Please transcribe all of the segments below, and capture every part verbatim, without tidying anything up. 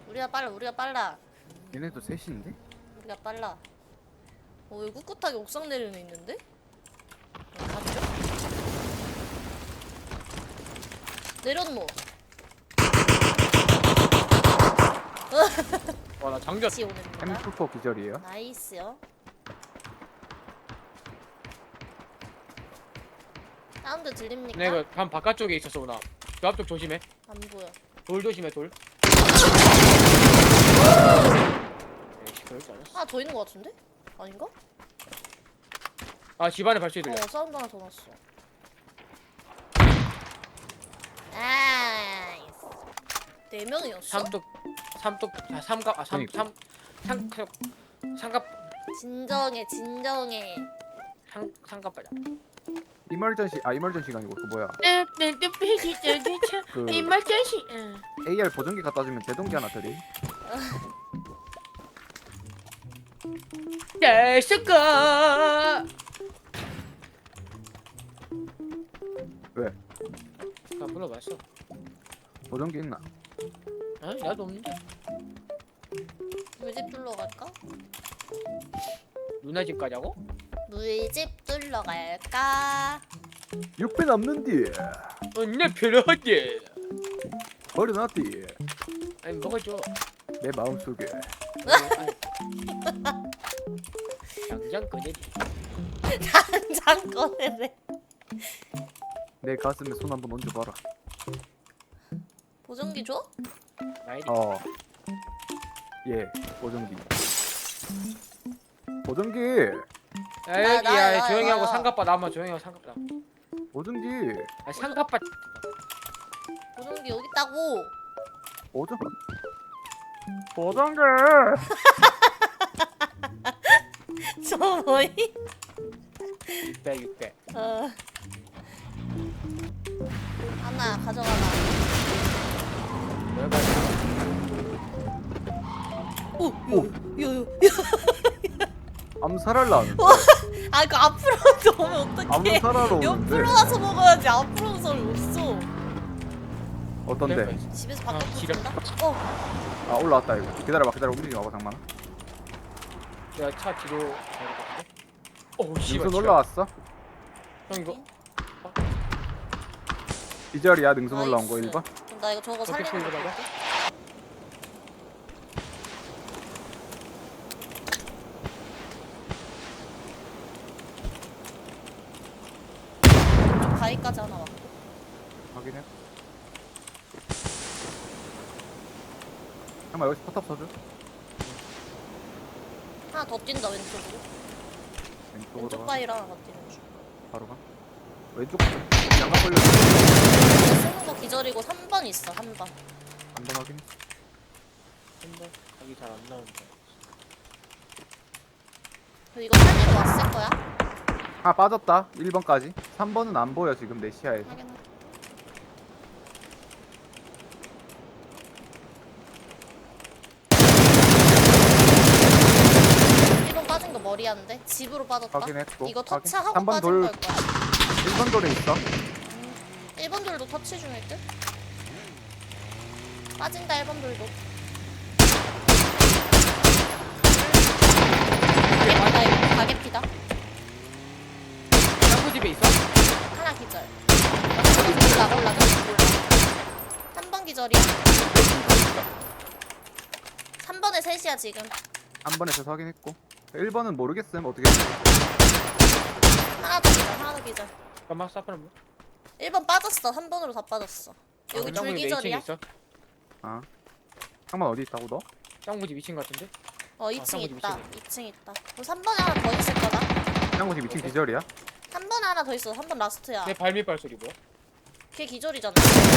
우리가 빨라 우리가 빨라 얘네도 셋인데? 우리가 빨라. 어 여기 꿋꿋하게 옥상 내리는 애 있는데? 어, 갔죠? 내렸노. 와, 나 장전. 같이 오는구나. 햄프퍼 기절이에요. 나이스요. 사운드 들립니까? 네, 그 반 바깥쪽에 있었어, 누나. 그 앞쪽 조심해. 안 보여. 돌 조심해, 돌. 에이씨, 그럴 줄 알았어. 하나 더 있는 것 같은데? 아닌가? 아, 집안에 발소리 들려. 어 사운드 하나 더 났어. 나이스. 네 명이었어? 삼뚝, 삼뚝, 아, 삼갑, 아, 삼, 삼, 삼, 삼, 삼갑, 진정해 진정해. 삼, 삼갑바자. 이멀전시 아 이멀전시가 아니고 그 뭐야 그 이말전시. 에이알 보정기 갖다 주면 제동기 하나 드리. 잘 쓸까? 왜? 나 불러봤어. 보정기 있나? 아, 나도 없는데. 물집 뚫러 갈까? 누나 집 가자고? 물집 뚫러 갈까? 육 배 남는디 언니 필요하지. 버려놨디 아니 먹어줘. 내 마음속에. 당장 꺼내지. 당장 꺼내래. 내 가슴에 손 한번 얹어봐라. 보정기 줘? 나이리. 어. 예, 보정기. 보정기. 야, 나, 여기, 나, 야, 나, 조용히 나, 하고 나. 상갑바 남아. 조용히 하고 상갑바. 보정기. 아, 상갑바. 보정기 여기 있다고. 보정. 보정기. 저 뭐이? 육백, 육백. 어. 하나 가져가라. 뭘 가져? 오, 오. 요요. 암살할라는데. 아, 그 앞으로 오면 어떡해? 암살하러 오는데. 옆으로 와서 먹어야지. 앞으로 오는 사람이 없어. 어떤데? 집에서 아, 바꿔 지려. 준다. 어, 아 올라왔다 이거. 기다려봐 기다려 움직이지 마봐 장만아. 내가 차 뒤로 가야 될것 같은데? 오, 씨발. 능선 올라왔어? 형 이거 기절이야 능선 올라온 거 나이스. 일 번. 그럼 나 이거 저거 어떻게 살리는 거 풀고 볼게. 좀 가위까지 하나 왔고. 확인해. 잠깐만 여기서 포탑 써줘. 하나 더 뛴다 왼쪽으로. 왼쪽으로 왼쪽 가. 바위랑 하나 더 뛰는 중. 바로 가. 왼쪽 양각 걸려. 쓰는 거 기절이고 삼 번 있어. 삼 번. 한번 확인. 한번 각이 잘 안 나오는데. 그리고 이거 살리러 왔을 거야? 아 빠졌다. 일 번까지. 삼 번은 안 보여 지금 내 시야에서. 확인. 일 번 빠진 거 머리한데? 집으로 빠졌다. 확인했고. 이거 확인. 터치하고 삼 번 빠진 돌. 걸 거야. 일 번 돌에 있어. 일 번 돌도 터치 중일 듯? 빠진다 일 번 돌도. 가게피다 이거. 가게피다. 짱구 집에 있어? 하나 기절. 올라 올라 올라. 삼 번 기절이야. 삼 번에 셋이야 지금. 한 번에서 확인했고. 일 번은 모르겠음 어떻게. 했지? 하나 더 기절 하나 더 기절. 잠깐만 사프는 뭐? 일 번 빠졌어. 삼 번으로 다 빠졌어. 여기 짱구 둘 집에 이 층에 기절이야. 있어? 아. 상만 어디 있다고 너? 짱구 집 이 층 같은데? 어 이 층 짱구 집 있다. 이 층에. 이 층 있다. 그럼 삼 번에 하나 더 있을 거다. 짱구 집 이 층 기절이야? 삼 번에 하나 더 있어. 삼 번 라스트야. 내 발밑발 소리 뭐야? 걔 기절이잖아.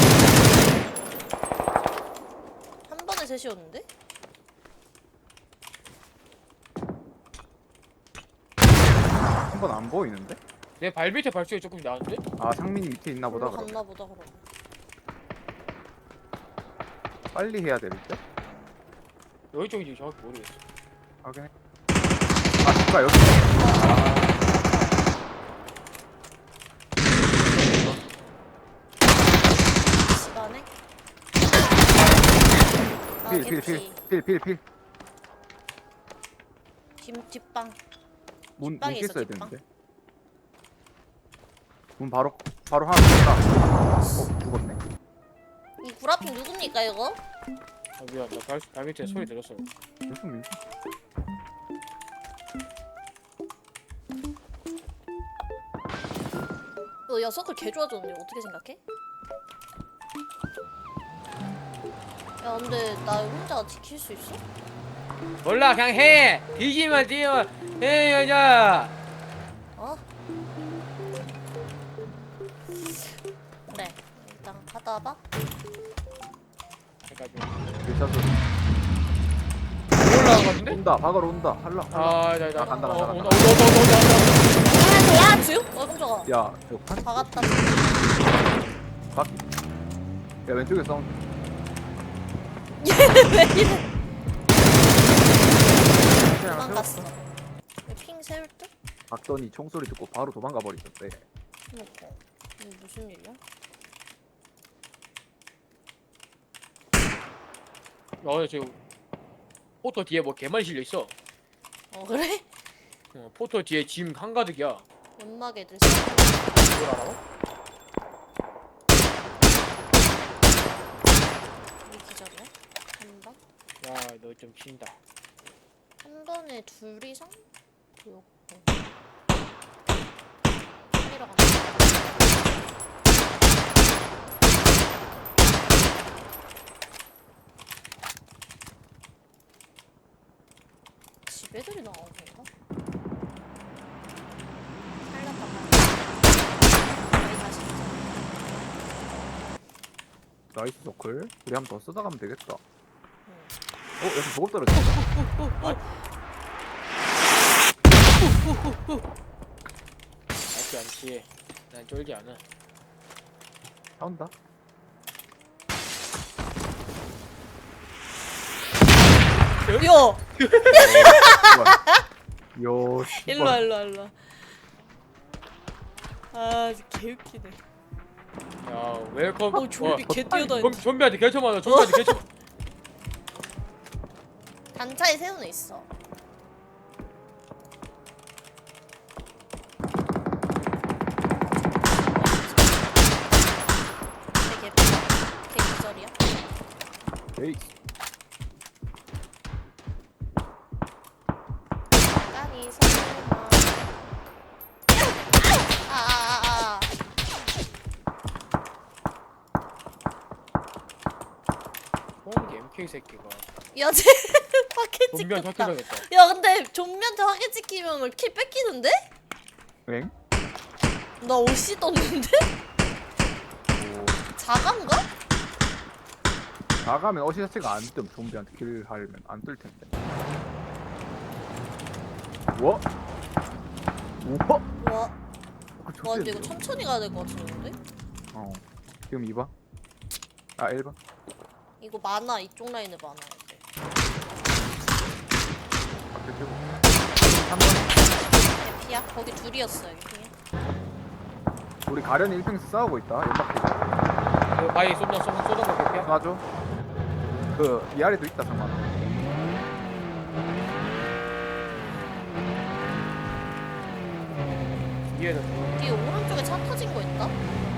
한 번에 셋이었는데? 한 번 안 보이는데? 내 발밑에 발소리 조금 나는데? 아 상민이 밑에 있나 보다. 놀러 그럼. 갔나 보다 그럼. 빨리 해야 될 때? 여기 쪽인지 정확히 모르겠어. 확인해. 아 진짜 여기. 집안에? 필필필필필필필 뒷 뒷방. 문, 문 뒷방에 있어, 깼어야 뒷방. 되는데 문 바로 바로 하나 깼다. 어 죽었네. 이 구라핑 누굽니까 이거? 아 미안 나발 발 밑에 소리 들었어. 무슨 일? 너 여섯을 개 좋아졌는데 어떻게 생각해? 야 근데 나 혼자 지킬 수 있어? 몰라 그냥 해. 뒤지면 뒤면 해 여자. 어? 그래 일단 하다 봐. 그러니까 일샷 올라간 것 같은데? 온다. 박으러 온다. 할라. 할라. 아, 나, 나, 아, 간다, 간다, 어, 간다. 온다, 온다, 온다, 온다, 온다. 아 저야 주? 어 깜짝아. 야, 저 판. 박았다. 박. 야 왼쪽에 싸운. 얘왜 이래? 도망갔어. 핑 세울 듯? 박더니 총소리 듣고 바로 도망가 버리셨대. 그니까 이게 무슨 일이야? 어, 지금 포토 뒤에 뭐 개만 실려 있어. 어 그래? 어, 포토 뒤에 짐 한가득이야. 연막 애들 그걸 알아? 우리 기절이야? 한 방? 야, 너 좀 친다. 한 번에 둘 이상? 보였고 살리러 간다. 집 애들이 나오는 건가? 살렸다 저희 다시 나이스 서클. 우리 한 번 더 쓰다 가면 되겠다. 응. 어 여기 보급 떨어졌다. 알지 않지. 난 쫄지 않아. 나온다. 야! 요. 일로와 일로와 일로와 아 진짜 개웃기네. 야, 웰컴. 어 좀비 개 뛰어다닌다. 그럼 좀비한테 개쳐 맞아. 좀비한테 개쳐. 단차에 세우는 있어. 되게 개 기절이야? 에이. 깐이 설마. 아아아아. 홍기 엠케이 새끼가. 야쟤 확해 좀비한테 찍혔다. 학교당했다. 야 근데 좀비한테 확해 찍히면 킬 뺏기는데? 엥? 나 옷이 떴는데? 오. 자간가? 나가면 어시 자체가 안 뜸. 좀비한테 킬 하려면 안 뜰 텐데. 우와. 우와. 와, 그 와 근데 이거 좋겠는데요? 천천히 가야 될 것 같은데? 어. 지금 이 번. 아 일 번. 이거 많아 이쪽 라인에 많아 이제. 앞에 쭉. 삼 번. 대피야? 거기 둘이었어 여기 핑에. 우리 가련이 일 팽에서 싸우고 있다. 연막기. 그 바위 쏟는 쏟는 쏟는 거 개피야? 맞아. 그 위아래도 있다 상관. 뒤에는 뒤에 오른쪽에 차 터진 거 있다?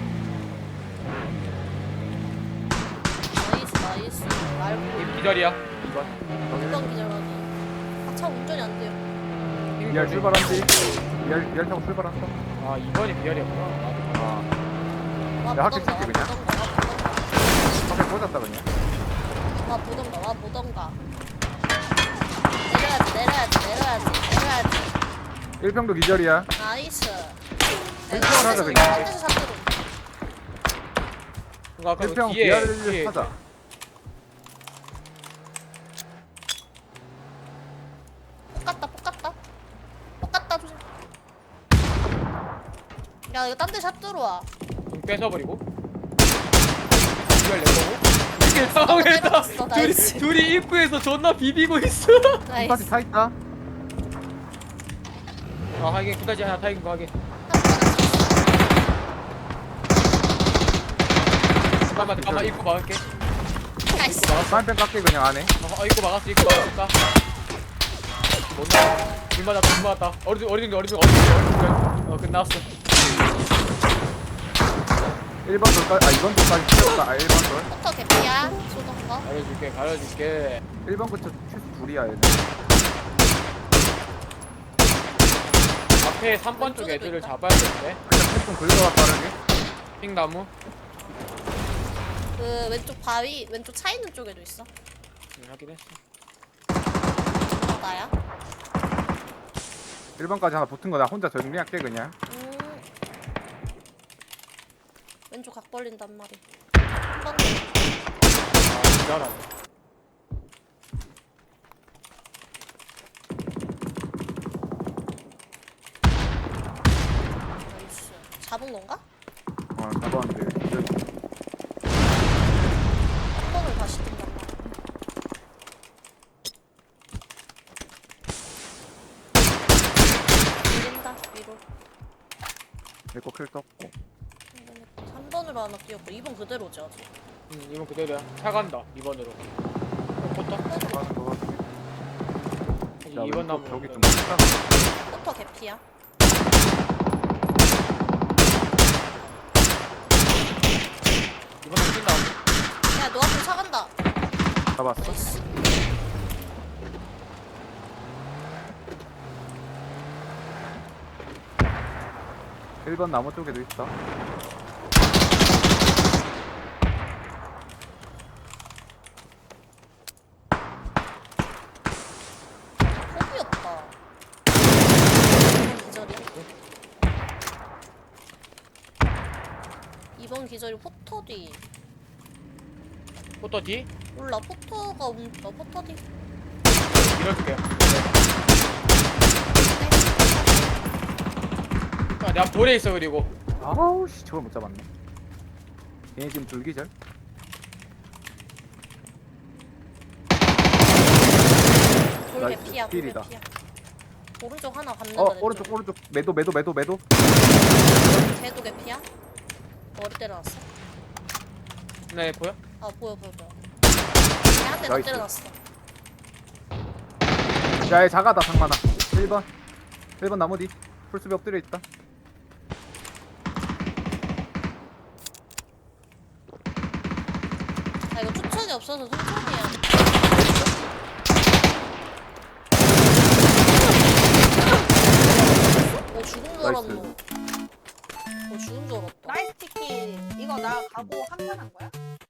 나이스 나이스 말고 이 기다리야. 이번. 이번 기절 확인. 아차 운전이 안 돼요. 위알 출발한지. 위알 위알 타고 출발한다. 아 이번이 비알이었구나. 나도 아. 와 야, 학교 보던가 와 찍지, 그냥? 보던가 앞에 꽂았다 그냥. 와 보던가 와 보던가. 내려야지 내려야지 내려야지 내려야지. 일 평도 기절이야. 나이스. 일평을 하자, 그냥. 한 대서 잡기로. 그러니까 아까 일 평 그 뒤에 위아래를 뒤에 하자. 똑같다 똑같다 똑같다 조심. 야 이거 딴 데 샷 들어와. 좀 뺏어버리고. 이걸 내 거고. 이게 상황했다. 뺏어봤어, 둘이 나이스. 둘이 입구에서 존나 비비고 있어. 한바지 나이스. 타 있다. 아 하긴 그다지 하나 타이긴 거 하긴. 잠깐만 잠깐만 입구 막을게. 야 나이스. 입구 막았어. 사인펜 깎게 그냥 안해. 어, 입구 막았어. 입구 막았을까? 못 나와. 불 맞았다. 불 맞았다. 어리둥 어리둥 어리둥 어리둥 어리둥. 어 끝났어. 일 번 돌까지 아 이 번 돌까지 틀렸다. 아 일 번 돌. 포터 개피야. 쏘던 거. 가려줄게. 가려줄게. 일 번 근처 최소 둘이야 얘네. 앞에 삼 번 쪽 왼쪽에도 애들을 있다. 잡아야겠는데. 그냥 템좀 긁어가 빠르게. 핑나무. 그 왼쪽 바위 왼쪽 차 있는 쪽에도 있어. 응, 확인했어. 어, 나야. 일 번까지 하나 붙은 거 나 혼자 정리할게 그냥. 음. 왼쪽 각 벌린단 말이. 한번 더. 아 진짜라네. 나이스. 잡은 건가? 어 잡았는데. 이제 한 번을 다시 뜬단 말이야. 밀린다 위로. 내거 킬 떴고. 삼 번으로 하나 뛰었고 이 번 그대로지 아직. 응 이번 그대로야. 차 간다. 이 번으로. 포터? 가는 거 같아. 야, 이 번 나무. 저기 좀 크다. 포터 개피야. 이 번 나무 뛴다. 야 너 앞에 차 간다. 잡았어. 나이스. 일 번 나무 쪽에도 있어. 포기였다. 이번 기절이야. 이번 기절이 포터 뒤. 포터 뒤? 몰라 포터가 움. 어 포터 뒤. 밀어줄게요. 아, 내 앞 돌에 있어 그리고. 아우 씨 저걸 못 잡았네. 얘네 지금 줄기절. 돌 나이스. 개피야. 돌 필이다. 개피야. 오른쪽 하나 받는다. 어 내 오른쪽 쪽에. 오른쪽 매도 매도 매도 매도. 걔도 개피야. 머리 때려놨어. 네 보여? 아 보여 보여 보여. 걔한대 더 나이스. 때려놨어. 야얘 작아다 상만아. 일 번 일 번 나무 뒤 풀숲에 엎드려 있다. 아 이거 추천이 없어서 천천히 해야 돼. 오 죽은 줄 알았노. 오 죽은 줄 알았다. 나이스 치킨. 이거 나 가고 한판 한 거야?